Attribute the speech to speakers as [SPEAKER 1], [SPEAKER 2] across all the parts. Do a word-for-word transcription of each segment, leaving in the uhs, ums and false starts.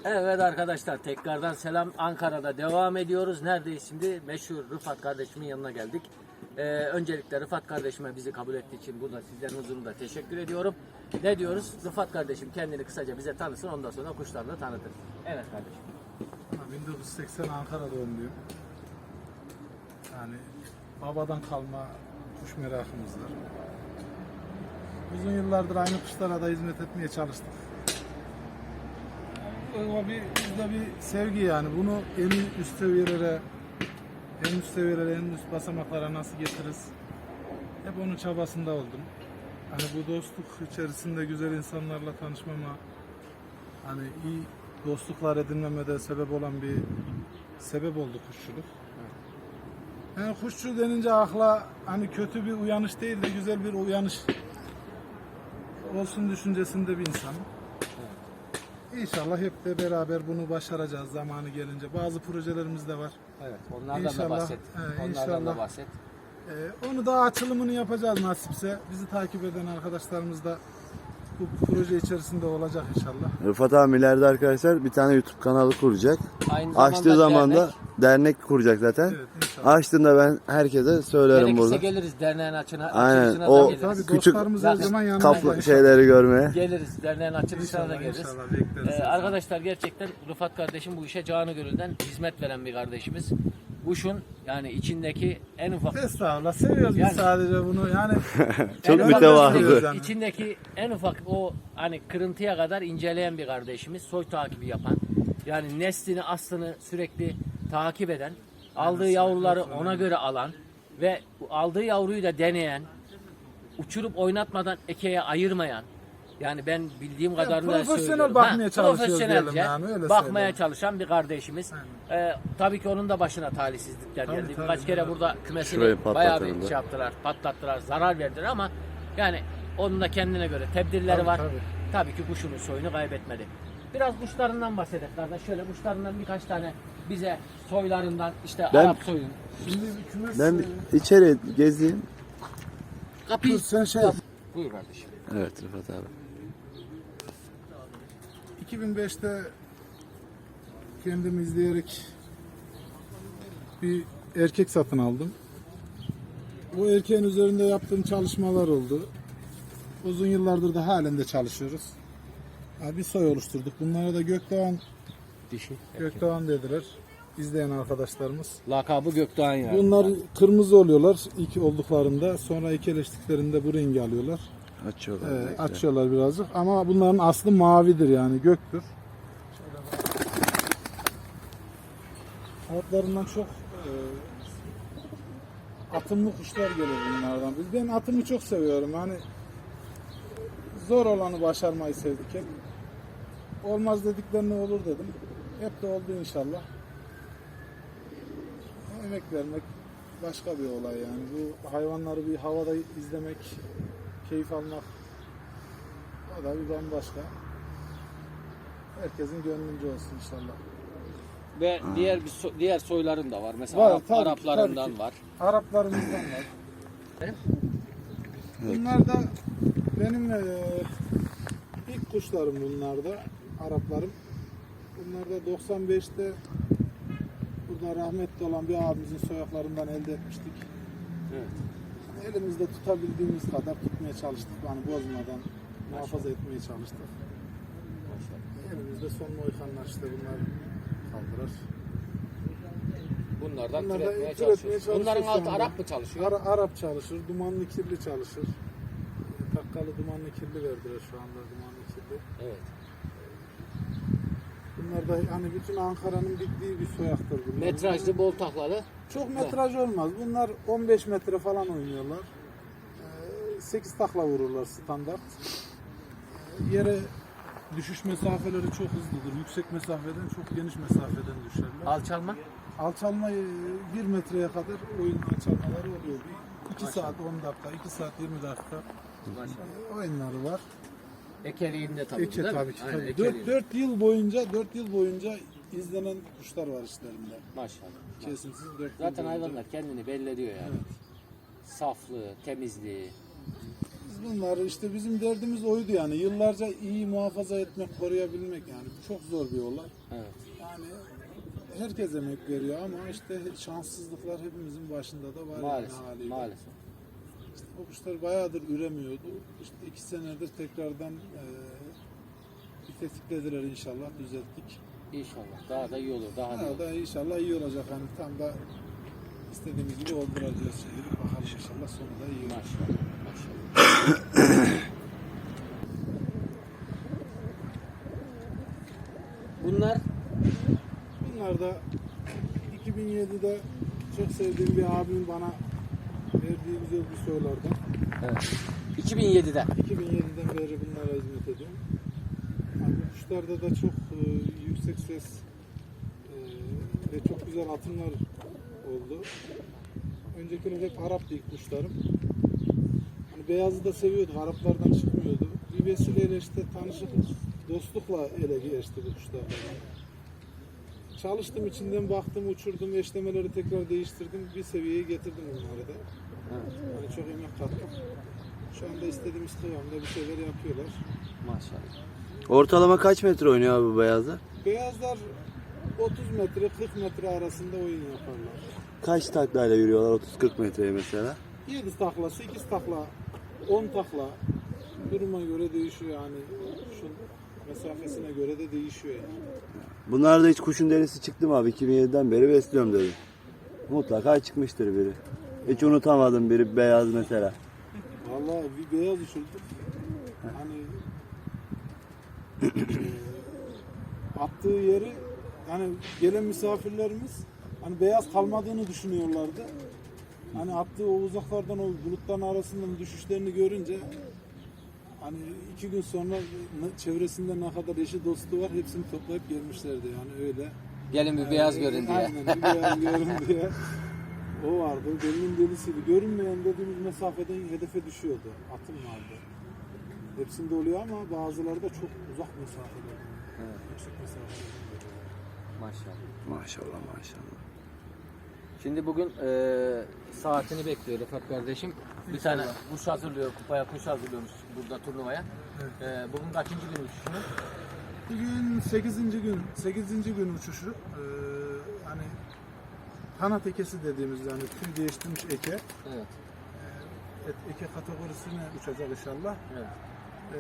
[SPEAKER 1] Evet arkadaşlar, tekrardan selam. Ankara'da devam ediyoruz. Neredeyiz şimdi? Meşhur Rıfat kardeşimin yanına geldik. Ee, öncelikle Rıfat kardeşime bizi kabul ettiği için burada sizlerin huzurunda teşekkür ediyorum. Ne diyoruz? Rıfat kardeşim kendini kısaca bize tanısın, ondan sonra kuşlarını da tanıtır. Evet kardeşim.
[SPEAKER 2] bin dokuz yüz seksen Ankara doğumluyum. Yani babadan kalma kuş merakımız var. Uzun yıllardır aynı kuşlara da hizmet etmeye çalıştık. O bir, bizde bir sevgi yani. Bunu en üst seviyelere, en üst seviyelere, en üst basamaklara nasıl getiririz? Hep onun çabasında oldum. Hani bu dostluk içerisinde güzel insanlarla tanışmama, hani iyi dostluklar edinmeme de sebep olan bir sebep oldu kuşçuluk. Yani kuşçu denince akla hani kötü bir uyanış değil de güzel bir uyanış olsun düşüncesinde bir insan. İnşallah hep de beraber bunu başaracağız zamanı gelince. Bazı projelerimiz de var.
[SPEAKER 1] Evet, onlardan
[SPEAKER 2] İnşallah,
[SPEAKER 1] da bahset.
[SPEAKER 2] he,
[SPEAKER 1] Onlardan da
[SPEAKER 2] inşallah.
[SPEAKER 1] bahset.
[SPEAKER 2] Ee, onu da açılımını yapacağız nasipse. Bizi takip eden arkadaşlarımız da bu proje içerisinde olacak inşallah.
[SPEAKER 3] Rıfat abi ileride arkadaşlar bir tane YouTube kanalı kuracak.
[SPEAKER 1] Aynı
[SPEAKER 3] Açtığı zaman da
[SPEAKER 1] dernek.
[SPEAKER 3] dernek kuracak zaten.
[SPEAKER 2] Evet, inşallah.
[SPEAKER 3] Açtığında ben herkese söylerim
[SPEAKER 1] Gerekirse
[SPEAKER 3] burada.
[SPEAKER 1] geliriz derneğin açına,
[SPEAKER 3] Aynen,
[SPEAKER 1] açılışına
[SPEAKER 3] o-
[SPEAKER 1] da geliriz.
[SPEAKER 2] Tabii
[SPEAKER 3] Küçük-
[SPEAKER 2] dostlarımız her zaman yanında.
[SPEAKER 3] Kaplı
[SPEAKER 2] inşallah.
[SPEAKER 3] şeyleri görmeye.
[SPEAKER 1] Geliriz, derneğin açılışına da
[SPEAKER 2] İnşallah,
[SPEAKER 1] geliriz.
[SPEAKER 2] inşallah bekleriz.
[SPEAKER 1] Ee, arkadaşlar gerçekten Rıfat kardeşim bu işe canı gönülden hizmet veren bir kardeşimiz. Kuşun yani içindeki en ufak
[SPEAKER 2] Estağfurullah, seviyoruz
[SPEAKER 1] Yani-
[SPEAKER 2] biz sadece bunu yani.
[SPEAKER 3] Çok
[SPEAKER 1] en ufak-
[SPEAKER 3] mütevazı.
[SPEAKER 2] Yani.
[SPEAKER 1] İçindeki en ufak o hani kırıntıya kadar inceleyen bir kardeşimiz, soy takibi yapan, yani neslini aslını sürekli takip eden, aldığı yavruları ona göre alan ve aldığı yavruyu da deneyen, uçurup oynatmadan ekeye ayırmayan, yani ben bildiğim kadarıyla
[SPEAKER 2] profesyonel
[SPEAKER 1] söylüyorum.
[SPEAKER 2] bakmaya çalışıyoruz
[SPEAKER 1] profesyonelce
[SPEAKER 2] diyelim yani, öyle
[SPEAKER 1] bakmaya
[SPEAKER 2] söyleyelim.
[SPEAKER 1] çalışan bir kardeşimiz. Ee, tabii ki onun da başına talihsizlikler
[SPEAKER 2] Tabii,
[SPEAKER 1] geldi.
[SPEAKER 2] tabii,
[SPEAKER 1] Birkaç kere
[SPEAKER 2] evet.
[SPEAKER 1] burada kümesini
[SPEAKER 3] Şurayı
[SPEAKER 1] bayağı
[SPEAKER 3] patlatırım
[SPEAKER 1] bir
[SPEAKER 3] da.
[SPEAKER 1] şey yaptılar, patlattılar, zarar verdiler ama yani onun da kendine göre tedbirleri
[SPEAKER 2] Tabii,
[SPEAKER 1] var.
[SPEAKER 2] tabii.
[SPEAKER 1] Tabii ki kuşunun soyunu kaybetmedi. Biraz kuşlarından bahsedelim kardeş. Şöyle kuşlarından birkaç tane bize soylarından, işte
[SPEAKER 3] Ben-
[SPEAKER 1] Arap soyun.
[SPEAKER 2] Şimdi bir kümes,
[SPEAKER 3] Ben bir içeri gezeyim.
[SPEAKER 1] Kapıyı
[SPEAKER 2] sen şey yap.
[SPEAKER 1] Buyur kardeşim.
[SPEAKER 3] Evet Rıfat abi.
[SPEAKER 2] iki bin beşte kendim izleyerek bir erkek satın aldım. Bu erkeğin üzerinde yaptığım çalışmalar oldu. Uzun yıllardır da halen de çalışıyoruz. Yani bir soy oluşturduk. Bunlara da Gökdoğan,
[SPEAKER 1] Dişi.
[SPEAKER 2] Gökdoğan dediler. İzleyen arkadaşlarımız.
[SPEAKER 1] Lakabı Gökdoğan yani.
[SPEAKER 2] Bunlar kırmızı oluyorlar ilk olduklarında. Sonra ekeleştiklerinde bu rengi alıyorlar.
[SPEAKER 3] Açıyorlar.
[SPEAKER 2] Ee,
[SPEAKER 3] bekle.
[SPEAKER 2] açıyorlar birazcık ama bunların aslı mavidir yani göktür. Altlarından çok e, atımlı kuşlar gelir bunlardan. Ben atımı çok seviyorum. Hani zor olanı başarmayı sevdik hep. Olmaz dediklerine olur dedim. Hep de oldu inşallah. Emek vermek başka bir olay yani. Bu hayvanları bir havada izlemek, keyif almak, o da bir bambaşka. Herkesin gönlünce olsun inşallah.
[SPEAKER 1] Ve diğer bir so- diğer soyların da var. Mesela
[SPEAKER 2] Var,
[SPEAKER 1] Arap,
[SPEAKER 2] tabii ki,
[SPEAKER 1] Araplarından
[SPEAKER 2] tabii ki.
[SPEAKER 1] var.
[SPEAKER 2] Araplarımızdan var.
[SPEAKER 1] Evet.
[SPEAKER 2] Bunlar da benim eee, ilk kuşlarım bunlar da, Araplarım. Bunlar da doksan beşte burada rahmetli olan bir abimizin soyaklarından elde etmiştik.
[SPEAKER 1] Evet.
[SPEAKER 2] Elimizde tutabildiğimiz kadar tutmaya çalıştık. Yani bozmadan muhafaza etmeye çalıştık. Elimizde son Moykanlar işte bunlar kaldırar.
[SPEAKER 1] Bunlardan
[SPEAKER 2] Bunlar da
[SPEAKER 1] türetmeye
[SPEAKER 2] türetmeye
[SPEAKER 1] çalışıyoruz.
[SPEAKER 2] çalışıyoruz
[SPEAKER 1] Bunların
[SPEAKER 2] şu
[SPEAKER 1] altı
[SPEAKER 2] anda.
[SPEAKER 1] Arap mı çalışıyor?
[SPEAKER 2] Ara- Arap çalışır, dumanlı kirli çalışır. Takkalı dumanlı kirli verdiler şu anda, dumanlı kirli.
[SPEAKER 1] Evet.
[SPEAKER 2] Bunlar da hani bütün Ankara'nın bittiği bir soyaktır bunlar.
[SPEAKER 1] Metrajlı, bol taklalı.
[SPEAKER 2] Çok metraj olmaz. Bunlar on beş metre falan oynuyorlar. Ee, sekiz takla vururlar standart. Ee, Yere düşüş mesafeleri çok hızlıdır. Yüksek mesafeden çok geniş mesafeden düşerler.
[SPEAKER 1] Alçalma.
[SPEAKER 2] Alçalma e, bir metreye kadar oyun alçalmaları oluyor. iki saat on dakika, iki saat yirmi dakika e, oyunları var.
[SPEAKER 1] Ekeliğinde tabii.
[SPEAKER 2] Eke
[SPEAKER 1] değil mi?
[SPEAKER 2] tabii ki.
[SPEAKER 1] Aynen,
[SPEAKER 2] Tabii.
[SPEAKER 1] ekeliğinde.
[SPEAKER 2] dört yıl boyunca dört yıl boyunca izlenen kuşlar var işlerinde.
[SPEAKER 1] Maşallah.
[SPEAKER 2] Kesintisiz dört yıl
[SPEAKER 1] Zaten
[SPEAKER 2] boyunca.
[SPEAKER 1] hayvanlar kendini belli ediyor yani. Saflığı, temizliği.
[SPEAKER 2] Biz bunlar işte bizim derdimiz oydu yani. Yıllarca iyi muhafaza etmek, koruyabilmek yani. Bu çok zor bir olay.
[SPEAKER 1] Evet.
[SPEAKER 2] Yani herkes emek veriyor ama işte şanssızlıklar hepimizin başında da var.
[SPEAKER 1] Maalesef.
[SPEAKER 2] Yani haliyle.
[SPEAKER 1] Maalesef.
[SPEAKER 2] İşte o kuşlar bayağıdır üremiyordu. İşte iki senedir tekrardan e, bir tetiklediler inşallah, düzelttik.
[SPEAKER 1] İnşallah. Daha da iyi olur. Daha da iyi
[SPEAKER 2] Daha
[SPEAKER 1] olur.
[SPEAKER 2] da inşallah iyi olacak. Hani tam da istediğimiz gibi oldular diyoruz şimdi. Bakalım inşallah sonu da iyi olur.
[SPEAKER 1] Maşallah. Maşallah. Bunlar
[SPEAKER 2] Bunlar da iki bin yedide çok sevdiğim bir abimin bana verdiği güzel bir sorulardan.
[SPEAKER 1] evet. iki bin yedide.
[SPEAKER 2] iki bin yediden beri bunlara hizmet ediyorum. Yani bu kuşlarda da çok e, yüksek ses e, ve çok güzel atımlar oldu. Öncekiler hep Arap ilk kuşlarım. Hani beyazı da seviyorduk, Araplardan çıkmıyordu. Bir vesileyle işte tanışıklık, dostlukla ele geçti bu kuşlardan. Çalıştım, içinden baktım, uçurdum, eşlemeleri tekrar değiştirdim. Bir seviyeye getirdim bunları da.
[SPEAKER 1] Evet.
[SPEAKER 2] Yani çok emek kattım. Şu anda istediğimiz kıvamda bir şeyler yapıyorlar.
[SPEAKER 1] Maşallah.
[SPEAKER 3] Ortalama kaç metre oynuyor abi bu beyazlar?
[SPEAKER 2] Beyazlar otuz metre kırk metre arasında oyun yaparlar.
[SPEAKER 3] Kaç taklayla yürüyorlar otuz kırk metreye mesela?
[SPEAKER 2] yedi takla, sekiz takla, on takla duruma göre değişiyor yani. Şu mesafesine göre de değişiyor yani.
[SPEAKER 3] Bunlarda hiç kuşun derisi çıktı mı abi? iki bin yediden beri besliyorum dedi. Mutlaka çıkmıştır biri. Hiç unutamadım biri beyaz mesela.
[SPEAKER 2] Vallahi bir beyaz uçurduk. Hani eee, attığı yeri yani gelen misafirlerimiz hani beyaz kalmadığını düşünüyorlardı. Hani attığı o uzaklardan o bulutların arasından düşüşlerini görünce hani iki gün sonra ne- çevresinde ne kadar eşi dostu var hepsini toplayıp gelmişlerdi yani öyle.
[SPEAKER 1] Gelin bir beyaz görün diye.
[SPEAKER 2] Aynen bir beyaz görün diye. O vardı. Delinin delisiydi. Görünmeyen dediğimiz mesafeden hedefe düşüyordu. Atım vardı. Hepsinde oluyor ama bazıları da çok uzak mesafeler.
[SPEAKER 1] Evet.
[SPEAKER 2] Yüksek mesafeler.
[SPEAKER 1] Maşallah.
[SPEAKER 3] Maşallah maşallah.
[SPEAKER 1] Şimdi bugün e, saatini bekliyor Rıfat kardeşim. Bir tane kuş hazırlıyor, kupaya kuş hazırlıyormuş burada turnuvaya. E, bugün kaçıncı gün uçuşunu?
[SPEAKER 2] Bugün sekizinci gün, sekizinci gün uçuşu. Ee, hani kanat ekesi dediğimiz yani tüy değiştirmiş eke.
[SPEAKER 1] Evet.
[SPEAKER 2] Et, eke kategorisine uçacak inşallah.
[SPEAKER 1] Evet.
[SPEAKER 2] Ee,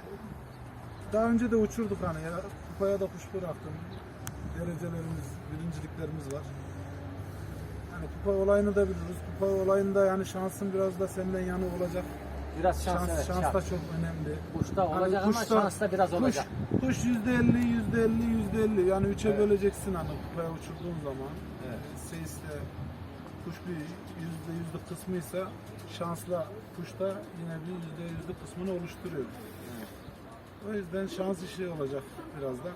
[SPEAKER 2] daha önce de uçurduk hani ya, kupaya da kuş bıraktım. Derecelerimiz, birinciliklerimiz var. Yani kupa olayını da biliriz. Kupa olayında yani şansın biraz da senden yanı olacak.
[SPEAKER 1] Biraz şans,
[SPEAKER 2] Şans,
[SPEAKER 1] evet.
[SPEAKER 2] şans
[SPEAKER 1] şans.
[SPEAKER 2] da çok önemli.
[SPEAKER 1] Kuşta
[SPEAKER 2] Hani
[SPEAKER 1] olacak ama
[SPEAKER 2] kuşta-
[SPEAKER 1] şans da biraz
[SPEAKER 2] kuş,
[SPEAKER 1] olacak.
[SPEAKER 2] Kuş yüzde elli, yüzde elli, yüzde elli. Yani üçe
[SPEAKER 1] Evet.
[SPEAKER 2] böleceksin hani kupaya uçurduğun zaman.
[SPEAKER 1] Evet.
[SPEAKER 2] Seyisle kuş bir yüzde yüzlük kısmıysa şansla kuş da yine bir yüzde yüzlük kısmını oluşturuyor.
[SPEAKER 1] Evet.
[SPEAKER 2] O yüzden şans işi olacak biraz da.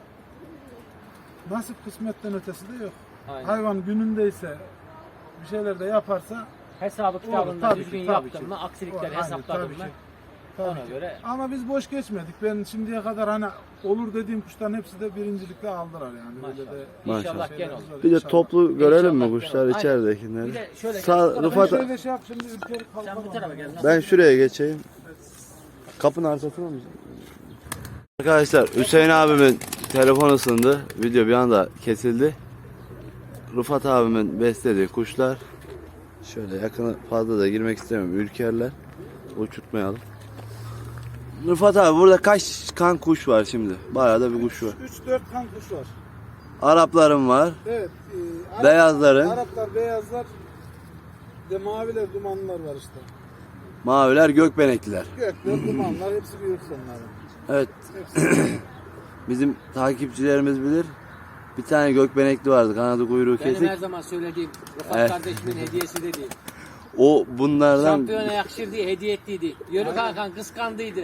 [SPEAKER 2] Nasip kısmetten ötesi de yok.
[SPEAKER 1] Aynen.
[SPEAKER 2] Hayvan günündeyse bir şeyler de yaparsa
[SPEAKER 1] Hesabı
[SPEAKER 2] olur.
[SPEAKER 1] kitabında
[SPEAKER 2] Tabii
[SPEAKER 1] düzgün
[SPEAKER 2] ki, tabii
[SPEAKER 1] yaptın
[SPEAKER 2] ki.
[SPEAKER 1] mı, aksilikleri
[SPEAKER 2] Aynen,
[SPEAKER 1] hesapladın
[SPEAKER 2] tabii
[SPEAKER 1] mı?
[SPEAKER 2] ki. Tabii
[SPEAKER 1] Ona
[SPEAKER 2] ki.
[SPEAKER 1] göre
[SPEAKER 2] Ama biz boş geçmedik. Ben şimdiye kadar hani olur dediğim kuşların hepsi de birincilikle aldılar yani. Öyle
[SPEAKER 1] maşallah.
[SPEAKER 2] de
[SPEAKER 1] İnşallah
[SPEAKER 2] şeyler
[SPEAKER 1] gen olur.
[SPEAKER 2] var
[SPEAKER 3] Bir de
[SPEAKER 2] inşallah.
[SPEAKER 3] toplu görelim mi
[SPEAKER 1] İnşallah
[SPEAKER 3] kuşlar
[SPEAKER 1] gel. Aynen.
[SPEAKER 3] içeridekileri?
[SPEAKER 1] Bir de şöyle
[SPEAKER 3] Sağ,
[SPEAKER 1] gel.
[SPEAKER 3] Rıfat,
[SPEAKER 2] Ben şöyle şey yap şimdi ülkeyi
[SPEAKER 1] Sen bu
[SPEAKER 2] kalkalım.
[SPEAKER 1] tarafa gel.
[SPEAKER 3] ben şuraya geçeyim. Kapının arkasına mı? Arkadaşlar Hüseyin abimin telefon ısındı. Video bir anda kesildi. Rıfat abimin beslediği kuşlar. Şöyle yakına fazla da girmek istemiyorum. Ürkerler. Uçurtmayalım. Rıfat abi burada kaç kan kuş var şimdi? Bayağı da bir kuş var.
[SPEAKER 2] üç dört kan kuş var.
[SPEAKER 3] Araplarım var.
[SPEAKER 2] Evet. E, Arap-
[SPEAKER 3] Beyazların.
[SPEAKER 2] Araplar, beyazlar de maviler, dumanlar var işte.
[SPEAKER 3] Maviler gökbenekliler.
[SPEAKER 2] Gökler, dumanlar hepsi büyük onların.
[SPEAKER 3] Evet.
[SPEAKER 2] Hepsi.
[SPEAKER 3] Bizim takipçilerimiz bilir. Bir tane gökbenekli vardı. Kanadı kuyruğu
[SPEAKER 1] Benim
[SPEAKER 3] kesik.
[SPEAKER 1] her zaman söylediğim Rıfat
[SPEAKER 3] Evet.
[SPEAKER 1] kardeşimin hediyesi dediğim.
[SPEAKER 3] O bunlardan
[SPEAKER 1] Şampiyona yakışır diye hediye ettiydi. Yörük Hakan kıskandıydı.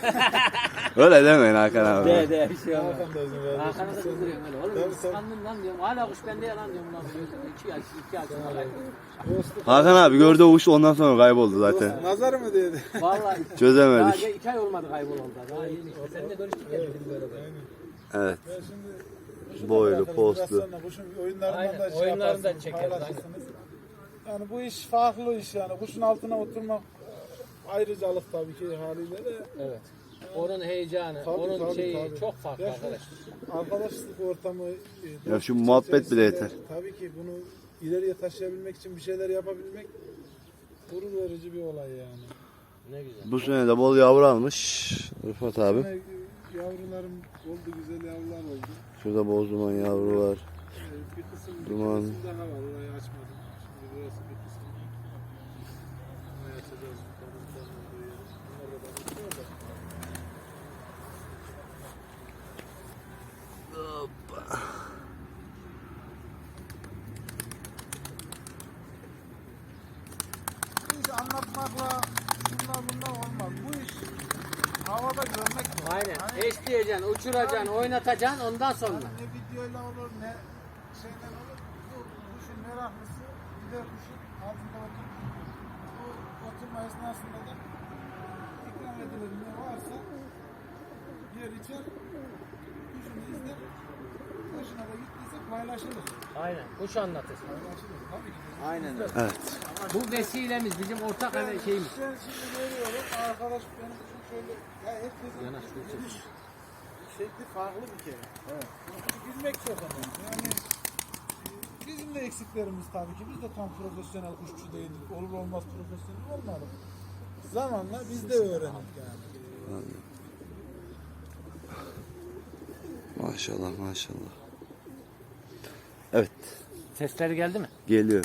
[SPEAKER 3] öyle demeyin Hakan abi.
[SPEAKER 1] De de bir şey olmaz.
[SPEAKER 2] Hakan da izin verdi.
[SPEAKER 1] Hakan'a da kızdırıyorum öyle. Oğlum
[SPEAKER 2] Tabii, tabii.
[SPEAKER 1] kıskandım lan diyorum. Hala kuş bende ya lan diyorum. Lan diyorum. İki yaş, iki yaş.
[SPEAKER 2] Dostluk.
[SPEAKER 3] Hakan abi gördü o kuş ondan sonra kayboldu zaten.
[SPEAKER 2] Nazar mı dedi?
[SPEAKER 1] Vallahi. Daha
[SPEAKER 3] Çözemedik.
[SPEAKER 1] ge- iki ay olmadı kaybol oldu. Daha yeni işte. Seninle görüştük ya bizim böyle.
[SPEAKER 3] Evet.
[SPEAKER 2] Ben şimdi kuşu da
[SPEAKER 3] Boylu,
[SPEAKER 2] bırakırız.
[SPEAKER 3] postlu.
[SPEAKER 2] Biraz sonra kuşun oyunlarından
[SPEAKER 1] Aynen,
[SPEAKER 2] da şey
[SPEAKER 1] oyunlarını da
[SPEAKER 2] yaparsınız,
[SPEAKER 1] çekeriz,
[SPEAKER 2] paylaşırsınız. Yani bu iş farklı iş yani. Kuşun altına oturmak ayrıcalık tabii ki haliyle de.
[SPEAKER 1] Evet. Onun heyecanı,
[SPEAKER 2] Tabii,
[SPEAKER 1] onun
[SPEAKER 2] tabii,
[SPEAKER 1] şeyi
[SPEAKER 2] tabii.
[SPEAKER 1] çok farklı
[SPEAKER 2] Ya şu
[SPEAKER 1] arkadaşlar.
[SPEAKER 2] Arkadaşlık ortamı. e,
[SPEAKER 3] Ya
[SPEAKER 2] dostluk
[SPEAKER 3] şu muhabbet bile
[SPEAKER 2] içerisinde
[SPEAKER 3] yeter.
[SPEAKER 2] Tabii ki bunu ileriye taşıyabilmek için bir şeyler yapabilmek gurur verici bir olay yani.
[SPEAKER 1] Ne güzel.
[SPEAKER 3] Bu sene de bol yavru almış Rıfat abi.
[SPEAKER 2] Yine yavrularım oldu, güzel yavrular oldu.
[SPEAKER 3] Şurada boz duman yavru var.
[SPEAKER 2] Ee, Bir kısım, bir
[SPEAKER 3] Duman.
[SPEAKER 2] kısım daha var, orayı açmadım. Şimdi burası bir kısım. Orayı açacağız. Balıkların olduğu yer. Bunlar da bakıyor da. Bu iş anlatmakla şunlar bunlar olmaz. Bu iş havada görmek lazım.
[SPEAKER 1] Aynen.
[SPEAKER 2] Hani,
[SPEAKER 1] Eşleyeceksin, uçuracaksın, oynatacaksın ondan sonra.
[SPEAKER 2] hani ne videoyla olur ne şeyden olur. Bu kuşun meraklısı gider kuşun altında oturup bu oturma esnasında da ikram edilir ne varsa yer içer kuşunu izler. Hoşuna da gittiyse paylaşılır.
[SPEAKER 1] Aynen. Kuş anlatır.
[SPEAKER 2] Paylaşılır. Tabii ki.
[SPEAKER 1] Aynen.
[SPEAKER 3] Evet.
[SPEAKER 1] Bu vesilemiz bizim ortak hani şeyimiz.
[SPEAKER 2] Ben şimdi görüyorum arkadaş benim için şöyle ya herkesin
[SPEAKER 1] Yanaş, şöyle
[SPEAKER 2] gidiş şekli farklı bir kere. Evet. Bilmek çok önemli. Yani e, bizim de eksiklerimiz tabii ki. Biz de tam profesyonel kuşçu değildik. Olur olmaz profesyonel olmadık. Zamanla biz de öğrendik yani.
[SPEAKER 3] Maşallah maşallah. Evet.
[SPEAKER 1] Sesleri geldi mi?
[SPEAKER 3] Geliyor.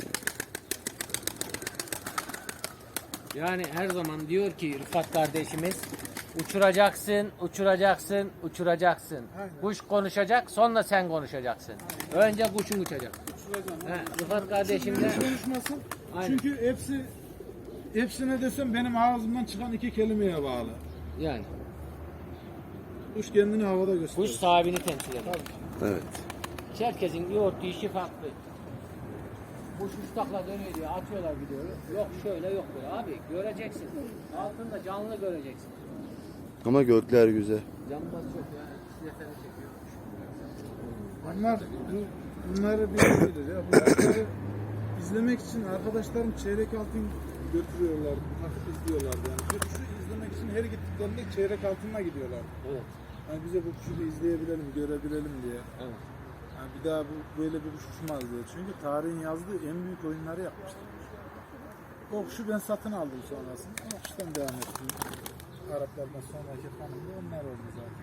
[SPEAKER 1] Yani her zaman diyor ki Rıfat kardeşimiz uçuracaksın, uçuracaksın, uçuracaksın.
[SPEAKER 2] Aynen.
[SPEAKER 1] Kuş konuşacak, sonra sen konuşacaksın. Önce kuşun uçacak.
[SPEAKER 2] Uçuracağım.
[SPEAKER 1] He, Rıfat kardeşim de
[SPEAKER 2] Konuşmasın.
[SPEAKER 1] Aynen.
[SPEAKER 2] Çünkü hepsi hepsine desem benim ağzımdan çıkan iki kelimeye bağlı.
[SPEAKER 1] yani
[SPEAKER 2] Kuş kendini havada gösteriyor.
[SPEAKER 1] kuş sahibini temsil eder.
[SPEAKER 3] Evet.
[SPEAKER 1] Herkesin yoğurttuğu işi farklı. Kuş uçtakla dönüyor diye atıyorlar videoyu. Yok şöyle yok böyle. Abi göreceksin. Altında canlı göreceksin.
[SPEAKER 3] Ama gökler güzel.
[SPEAKER 1] Yanmaz çok yani. Siyasını çekiyor.
[SPEAKER 2] Bunlar bu, bunları bilir ya. Bunları izlemek için arkadaşlarım çeyrek altın götürüyorlar, takıp izliyorlar yani. Bu kuşu izlemek için her gittiklerinde çeyrek altınla gidiyorlar.
[SPEAKER 1] Evet.
[SPEAKER 2] Yani bize bu kuşu bir izleyebilelim, görebilelim diye.
[SPEAKER 1] Evet.
[SPEAKER 2] Yani bir daha bu, böyle bir kuş uçmaz diye. Çünkü tarihin yazdığı en büyük oyunları yapmışlar. O kuşu ben satın aldım sonrasında. O kuştan devam ettim. Araplardan sonraki hanım da onlar oldu zaten.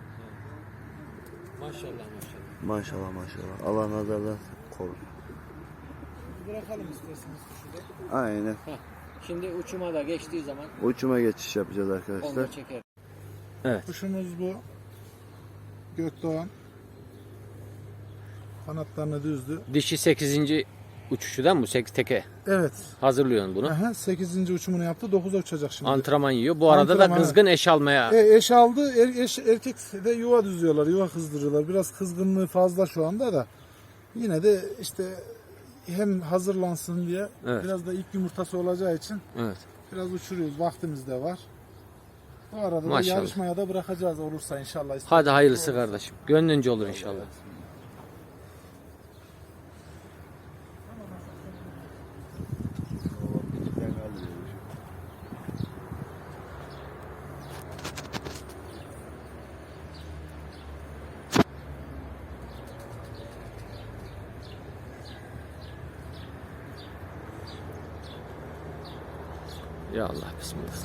[SPEAKER 1] Maşallah maşallah.
[SPEAKER 3] Maşallah maşallah. Allah nazardan korusun.
[SPEAKER 2] Bırakalım isterseniz kuşu da.
[SPEAKER 3] Aynen.
[SPEAKER 1] Heh. Şimdi uçuma da geçtiği zaman
[SPEAKER 3] Uçuma geçiş yapacağız
[SPEAKER 1] onu
[SPEAKER 3] arkadaşlar.
[SPEAKER 1] da çeker.
[SPEAKER 2] Kuşumuz bu. Gökdoğan. Kanatlarını düzdü.
[SPEAKER 1] Dişi sekizinci uçuşudan bu sekiz teke
[SPEAKER 2] Evet.
[SPEAKER 1] hazırlıyorsun bunu.
[SPEAKER 2] Aha, sekizinci uçumunu yaptı. dokuza uçacak şimdi.
[SPEAKER 1] Antrenman yiyor. Bu arada
[SPEAKER 2] Antrenman,
[SPEAKER 1] da kızgın eş almaya.
[SPEAKER 2] E, eş aldı. Er, eş, erkek de yuva düzüyorlar. Yuva kızdırıyorlar. Biraz kızgınlığı fazla şu anda da. Yine de işte hem hazırlansın diye
[SPEAKER 1] Evet.
[SPEAKER 2] biraz da ilk yumurtası olacağı için
[SPEAKER 1] Evet.
[SPEAKER 2] biraz uçuruyoruz. Vaktimiz de var. Bu arada da
[SPEAKER 1] Maşallah.
[SPEAKER 2] yarışmaya da bırakacağız olursa inşallah.
[SPEAKER 1] Hadi hayırlısı kardeşim. Gönlünce olur inşallah. Ya Allah bismillah.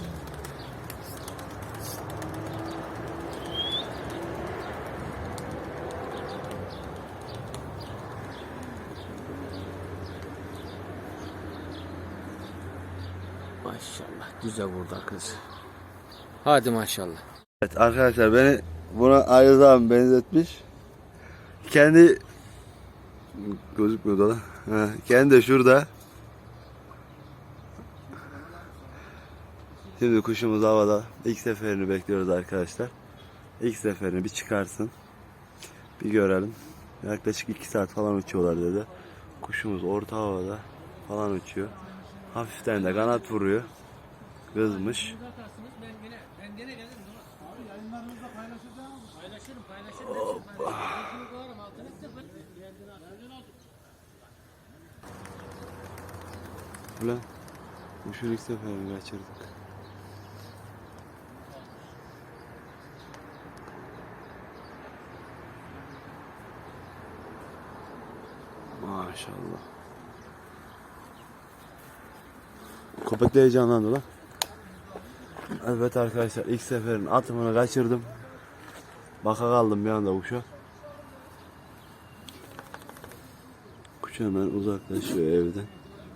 [SPEAKER 1] Maşallah güzel burada kız. Hadi maşallah.
[SPEAKER 3] Evet arkadaşlar beni buna Ayaz abi benzetmiş. Kendi gözükmüyor da. Ha, kendi de şurada. Şimdi kuşumuz havada. İlk seferini bekliyoruz arkadaşlar. İlk seferini bir çıkarsın. Bir görelim. Yaklaşık iki saat falan uçuyorlar dedi. Kuşumuz orta havada falan uçuyor. Hafiften de kanat vuruyor. Kızmış.
[SPEAKER 1] Ben gene gelirim.
[SPEAKER 2] Abi yayınlarımızda paylaşacağım.
[SPEAKER 1] Paylaşırım paylaşırım.
[SPEAKER 3] Ulan. Kuşun ilk seferini kaçırdık. Maşallah. Köpek de heyecanlandı lan. Evet arkadaşlar, ilk seferin atımını kaçırdım. Baka kaldım bir anda kuşa. Kuş hemen uzaklaşıyor evden.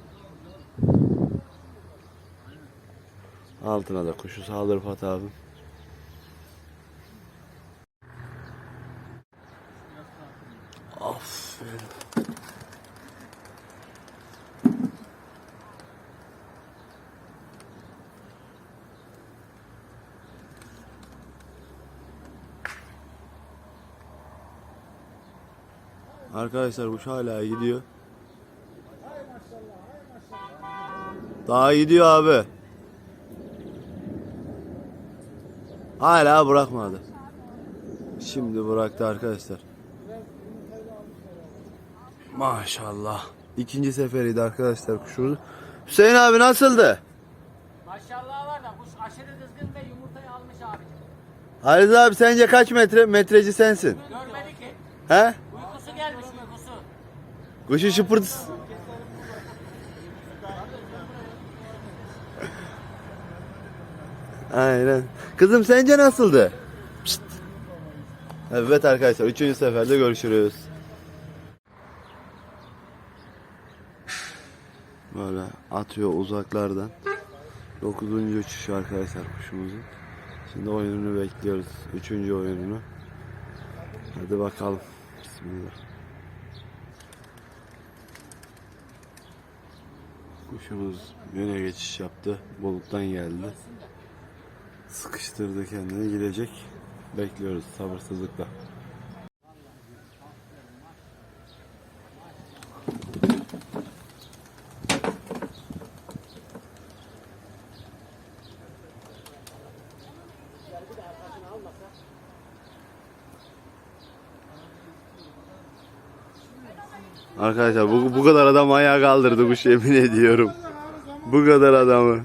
[SPEAKER 3] Altına da kuşu sağdır Rıfat abim. Aferin. Arkadaşlar kuş hala gidiyor. Daha gidiyor abi. Hala bırakmadı. Şimdi bıraktı arkadaşlar. Maşallah. İkinci seferiydi arkadaşlar kuşumuz. Hüseyin abi nasıldı?
[SPEAKER 1] Maşallah var da kuş aşırı kızgın ve yumurtayı almış abicim.
[SPEAKER 3] Halis abi sence kaç metre? Metreci sensin.
[SPEAKER 1] Görmedi ki.
[SPEAKER 3] He?
[SPEAKER 1] Uykusu gelmiş uykusu.
[SPEAKER 3] Kuşu şıpırtısı. Aynen. Kızım sence nasıldı? Pişt. Evet arkadaşlar, üçüncü seferde görüşürüz. Böyle atıyor uzaklardan. Dokuzuncu uçuş arkadaşlar kuşumuzun. Şimdi oyununu bekliyoruz. Üçüncü oyununu. Hadi bakalım. Bismillah. Kuşumuz yöne geçiş yaptı. Buluttan geldi. Sıkıştırdı kendini, gidecek. Bekliyoruz sabırsızlıkla. Arkadaşlar bu, bu kadar adam ayağa kaldırdı kuş, yemin ediyorum. Bu kadar adamı.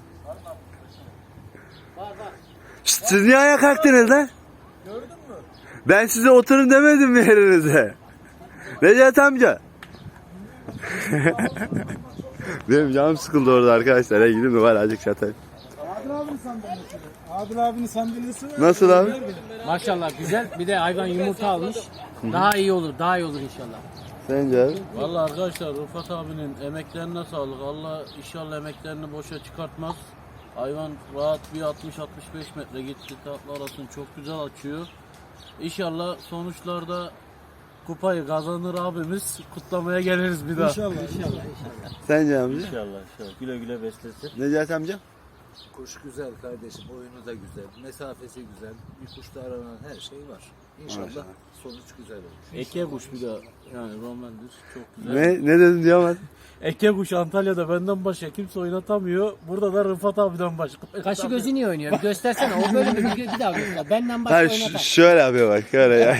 [SPEAKER 3] Şşt, siz niye ayağa kalktınız lan? Gördün mü? Ben size oturun demedim mi yerinize? Necati amca. Benim canım sıkıldı orada arkadaşlar. Ya gidin de var azıcık çatayım.
[SPEAKER 2] Adil abinin sandalyesi. Adil abinin sandalyesi var.
[SPEAKER 3] Nasıl abi?
[SPEAKER 1] Maşallah güzel. Bir de hayvan yumurta almış. Daha iyi olur, daha iyi olur inşallah.
[SPEAKER 3] Sence abi?
[SPEAKER 4] Vallahi arkadaşlar Rıfat abinin emeklerine sağlık. Allah inşallah emeklerini boşa çıkartmaz. Hayvan rahat bir altmış altmış beş metre gitti. Tatlı arasını çok güzel açıyor. İnşallah sonuçlarda kupayı kazanır abimiz. Kutlamaya geliriz bir daha.
[SPEAKER 2] İnşallah. İnşallah.
[SPEAKER 3] Sence amca?
[SPEAKER 4] İnşallah inşallah. Güle güle beslesin.
[SPEAKER 3] Necati amca?
[SPEAKER 5] Kuş güzel kardeşim, oyunu da güzel, mesafesi güzel, bir kuşta aranan her şey var. İnşallah
[SPEAKER 3] Maşallah.
[SPEAKER 5] sonuç güzel olur.
[SPEAKER 4] Eke kuş bir de yani romandır. Çok güzel.
[SPEAKER 3] Ne, ne dedin diyemez.
[SPEAKER 4] Eke kuş Antalya'da benden başka kimse oynatamıyor. Burada da Rıfat abiden başka.
[SPEAKER 1] Kaşı gözü niye oynuyor? Bir göstersene. O böyle bir, bir daha göster. Benden başka
[SPEAKER 3] Hayır ş-
[SPEAKER 1] oynatar.
[SPEAKER 3] şöyle yapıyor bak, şöyle ya.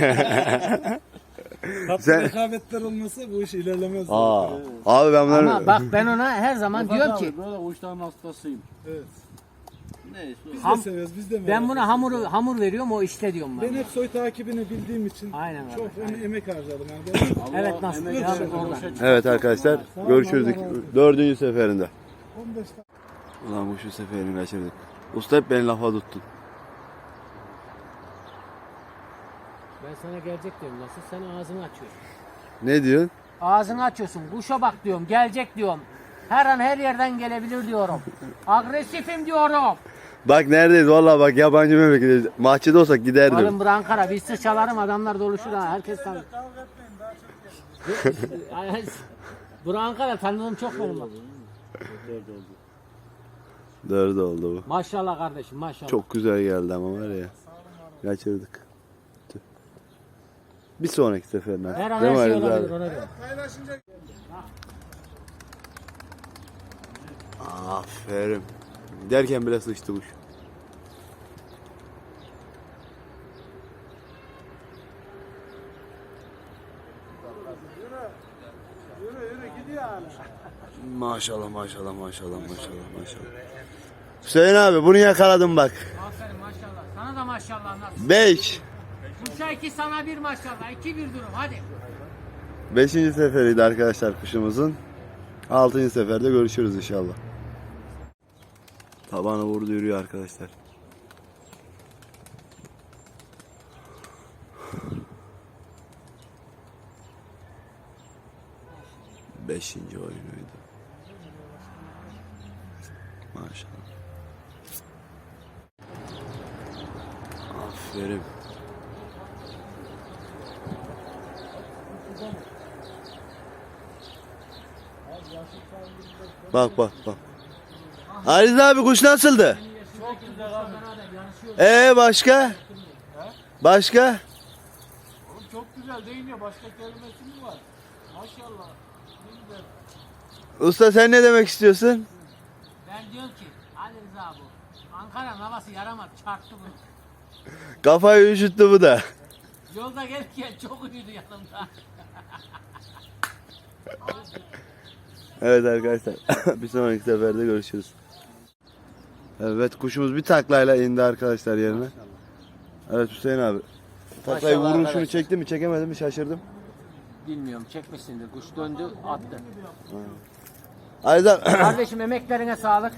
[SPEAKER 2] Tatlı
[SPEAKER 3] Sen-
[SPEAKER 2] rekabetler olmasa bu iş ilerlemez.
[SPEAKER 3] Aa, abi ben bunları...
[SPEAKER 1] Ama bak ben ona her zaman
[SPEAKER 4] Rıfat
[SPEAKER 1] diyorum
[SPEAKER 4] abi,
[SPEAKER 1] ki
[SPEAKER 4] böyle kuşların hastasıyım.
[SPEAKER 2] Evet.
[SPEAKER 4] Neyse.
[SPEAKER 2] Biz
[SPEAKER 1] Ham-
[SPEAKER 2] de severiz, biz de
[SPEAKER 1] ben
[SPEAKER 2] merak
[SPEAKER 1] buna hamuru hamur veriyorum o işte diyorum
[SPEAKER 2] Ben
[SPEAKER 1] ben.
[SPEAKER 2] hep soy takibini bildiğim için
[SPEAKER 1] Aynen öyle,
[SPEAKER 2] çok
[SPEAKER 1] aynen.
[SPEAKER 2] emek harcadım. Yani. Ben
[SPEAKER 1] Evet, nasıl?
[SPEAKER 4] emek
[SPEAKER 1] Ya,
[SPEAKER 4] verdi,
[SPEAKER 1] oradan.
[SPEAKER 4] boşa çıktı.
[SPEAKER 3] Evet arkadaşlar, görüşürüz dördüncü seferinde.
[SPEAKER 2] on beş tane
[SPEAKER 3] Ulan bu şu seferini kaçırdık. Usta hep beni lafa tuttun.
[SPEAKER 1] Ben sana gelecek diyorum nasıl? Sen ağzını açıyorsun.
[SPEAKER 3] Ne diyorsun?
[SPEAKER 1] Ağzını açıyorsun. Kuşa bak diyorum. Gelecek diyorum. Her an her yerden gelebilir diyorum. Agresifim diyorum.
[SPEAKER 3] Bak neredeyiz vallahi, bak yabancı memleketiz. Mahçede olsak giderdim.
[SPEAKER 1] Alın bur Ankara. Bir sıçalarım adamlar doluşur ha. Herkes tanır. Bur Ankara tanıdığım çok benim bak.
[SPEAKER 3] Dördü oldu bu.
[SPEAKER 1] Maşallah kardeşim maşallah.
[SPEAKER 3] Çok güzel geldi ama var ya. Kaçırdık. Tüh. Bir sonraki seferine.
[SPEAKER 1] Her an
[SPEAKER 3] Değil
[SPEAKER 1] her
[SPEAKER 3] mi
[SPEAKER 1] şey
[SPEAKER 3] Ali
[SPEAKER 1] olabilir
[SPEAKER 3] abi?
[SPEAKER 1] ona göre.
[SPEAKER 2] paylaşınca
[SPEAKER 3] Aferin. Derken bile sıçtı kuş. Maşallah maşallah maşallah maşallah maşallah. Hüseyin abi bunu yakaladım bak.
[SPEAKER 1] Aferin maşallah. Sana da maşallah nasıl?
[SPEAKER 3] beş.
[SPEAKER 1] Kuşa iki sana bir maşallah. iki bir durum hadi.
[SPEAKER 3] Beşinci seferiydi arkadaşlar kuşumuzun. Altıncı seferde görüşürüz inşallah. Tabanı vurdu yürüyor arkadaşlar. Beşinci oyunuydu. Maşallah. Aferin. Bak bak bak. Ariz abi kuş nasıldı?
[SPEAKER 4] Çok güzel abi.
[SPEAKER 3] Ee başka? Başka?
[SPEAKER 4] Oğlum çok güzel değil mi? Başka kelimesi mi var? Maşallah. Ne güzel.
[SPEAKER 3] Usta sen ne demek istiyorsun?
[SPEAKER 1] Ben diyorum ki Ali Rıza bu. Ankara'nın havası yaramadı. Çarptı bunu.
[SPEAKER 3] Kafayı üşüttü bu da.
[SPEAKER 1] Yolda gelirken çok uyudu yanımda.
[SPEAKER 3] Evet arkadaşlar. Bir sonraki seferde görüşürüz. Evet kuşumuz bir taklayla indi arkadaşlar yerine. Evet Hüseyin abi. Taklayı
[SPEAKER 1] Maşallah
[SPEAKER 3] vuruşunu
[SPEAKER 1] arkadaşlar.
[SPEAKER 3] çekti mi çekemedi mi şaşırdım.
[SPEAKER 1] Bilmiyorum çekmişsindir. Kuş döndü attı.
[SPEAKER 3] Ariz abi.
[SPEAKER 1] Kardeşim emeklerine sağlık.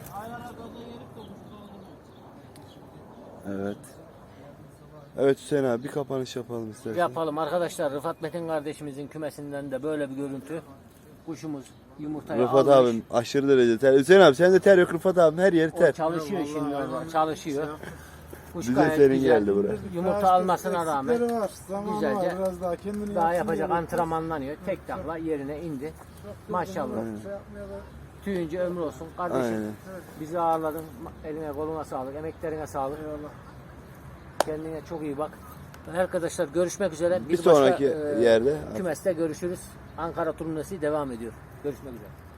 [SPEAKER 3] Evet. Evet Hüseyin abi bir kapanış yapalım istersen.
[SPEAKER 1] Yapalım arkadaşlar. Rıfat Metin kardeşimizin kümesinden de böyle bir görüntü. Kuşumuz yumurtayı
[SPEAKER 3] Rıfat
[SPEAKER 1] almış.
[SPEAKER 3] abim aşırı derece ter. Hüseyin abi sen de ter yok Rıfat abim her yeri
[SPEAKER 1] O
[SPEAKER 3] ter.
[SPEAKER 1] çalışıyor şimdi orada. Çalışıyor. Kuş
[SPEAKER 3] Bize
[SPEAKER 1] gayet
[SPEAKER 3] serin
[SPEAKER 1] güzel.
[SPEAKER 3] geldi buraya.
[SPEAKER 1] Yumurta almasına rağmen
[SPEAKER 2] Eksikleri var, zamanı
[SPEAKER 1] güzelce
[SPEAKER 2] var, biraz daha kendini
[SPEAKER 1] daha
[SPEAKER 2] yapsın
[SPEAKER 1] yapacak
[SPEAKER 2] diye
[SPEAKER 1] antrenmanlanıyor. Tek takla yerine indi. Maşallah.
[SPEAKER 2] şey yapmaya da-
[SPEAKER 1] Tüyünce ömrü olsun. Kardeşim
[SPEAKER 3] Aynen.
[SPEAKER 1] bizi ağırladın. Eline koluna sağlık. Emeklerine sağlık. Kendine çok iyi bak. Arkadaşlar görüşmek üzere.
[SPEAKER 3] Bir sonraki
[SPEAKER 1] başka, e,
[SPEAKER 3] yerde.
[SPEAKER 1] kümeste görüşürüz. Ankara turnuvası devam ediyor. Görüşmek üzere.